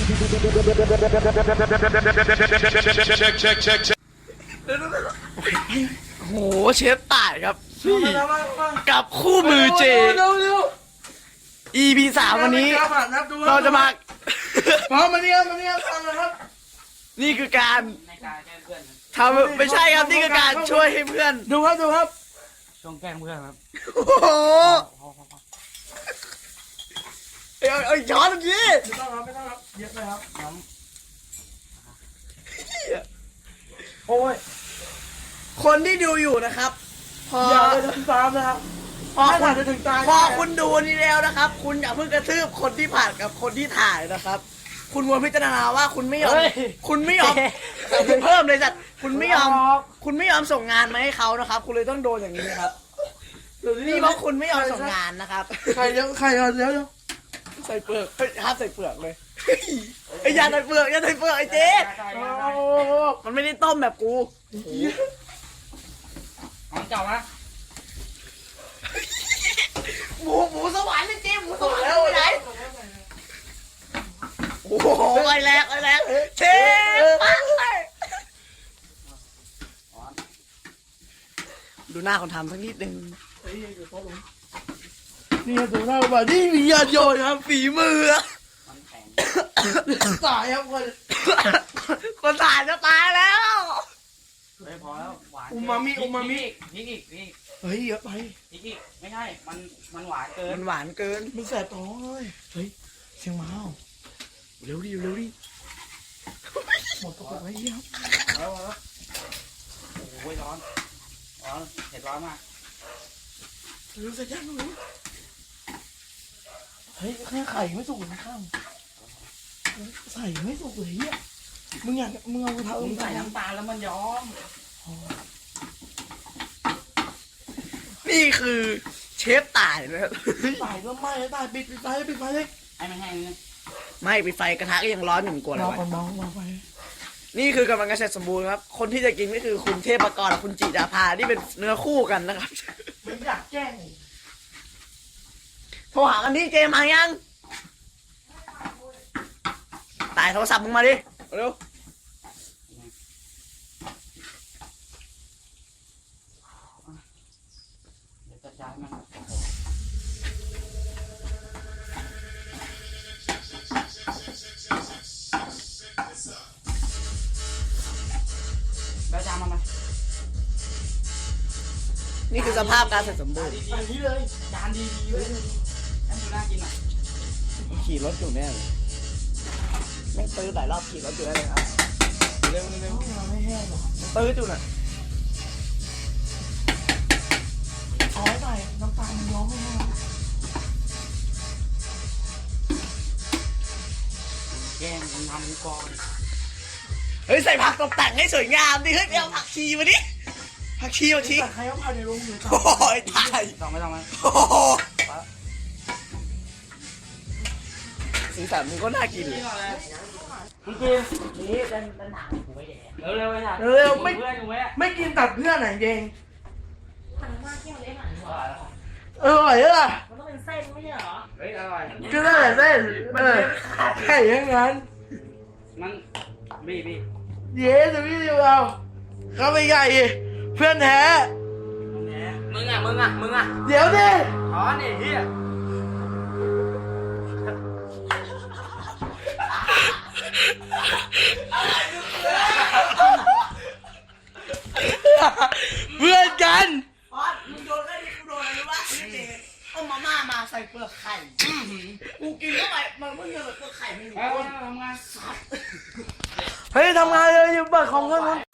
โอ้โหเชฟต่ายครับกับคู่มือเจ EP 3วันนี้เราจะมาพร้อมมาเนี่ยฟังนะครับนี่คือการทำไม่ใช่ครับนี่คือการช่วยให้เพื่อนดูครับช่วงแกล้งเพื่อนครับโอ้โหเอาช้อนตรงนี้ไม่ต้องครับเยอะเลยครับโอ้ยคนที่ดูอยู่นะครับพออย่าไปถึงตามนะครับพอคุณดูนี่แล้วนะครับคุณอย่าเพิ่งกระทืบคนที่ผ่านกับคนที่ถ่ายนะครับคุณควรพิจารณาว่าคุณไม่ยอมเพิ่มเลยจัดคุณไม่ยอมส่งงานมาให้เขานะครับคุณเลยต้องโดนอย่างนี้นะครับนี่เพราะคุณไม่ยอมส่งงานนะครับใครเดี๋ยวใส่เปลือกห้ามใส่เปลือกเลยอย่าใส่เปลือกไอ้เจ๊มันไม่ได้ต้มแบบกูของเก่านะหมูสวรรค์นี่เจ๊หมูสวรรค์ไปไหนโอ้โหไอ้แรงเชฟดูหน้าคนทำสักนิดนึงนี่ดูหน้าบ่านี่มีญาติโยนครับฝีมือตายครับคนถ่ายจะตายแล้วไม่พอแล้วหวานอูมามิพริกอีกเฮ้ยเยอะไปพริกอีกไม่ใช่มันหวานเกินมันแสบท้องเลยเฮ้ยเสียงม้าเร็วดิหมดตัวไปเยี่ยมแล้วโอ้ยร้อนเผ็ดร้อนมากรู้สึกยังไงเฮ้ยแค่ไข่ไม่สุกนะข้างใส่ไม่สุกเลยอ่ะมึงเอากระทะใส่น้ำตาลแล้วมันย้อมนี่คือเชฟต่ายนะครับต่ายก็ไม่ต่ายปิดไฟเลยไอ้มันแห้งเลยไม่ปิดไฟกระทะก็ยังร้อนอยู่กว่าเลยมองไปนี่คือกำลังเกษตรสมบูรณ์ครับคนที่จะกินก็คือคุณเทพกรกับคุณจิดาภาที่เป็นเนื้อคู่กันนะครับไม่อยากแกล้งโทรหากันที่เจมายังตายโทรศัพท์มึงมาดิเร็วจะย้ายมันแล้วจานมาไหมนี่คือสภาพการเสร็จสมบูรณ์อันนี้เลยจานดีเลยให้ดูน่ากินอ่ะขี่รถอยู่แน่เลยแม่งตื้อหลายรอบขี่รถอยู่แน่เลยครับเร็วไม่แห้งหรอตื้อจุดน่ะเอาไว้หน่อยน้ำตาลมันย้อมไม่แห้งแกงทำก่อนเฮ้ยใส่ผักตกแต่งให้สวยงามดิเฮ้ยเอาผักชีมาดิผักชีมาชี้ใครเอาผักในโรงอยู่โอ้ยตายไม่ต้องไหมโอ้สีสันมันก็น่ากินเลยพี่กินนี่เป็นหนังกูไม่แดงเร็วไม่กินตัดเพื่อนไหนเองถังมากที่มันเล่นหนังอร่อยอ่ะมันต้องเป็นเส้นไม่ใช่เหรอเฮ้ยอร่อยก็ได้เส้นแค่อย่างนั้นมันบี้เย้จะพี่ดูเอาเขาไปใหญ่เพื่อนแท้มึงอ่ะเดี๋ยวดิอ๋อนี่เฮียเพื่อนกันอ๋อมึงโดนได้ดิกูโดนอะไรวะเอามาม่ามาใส่เปลือกไข่กูกินเข้าไปมันเพิ่งเจอเปลือกไข่ไม่รู้ทำงานเฮ้ยทำงานเลยอยู่เปิดของกัน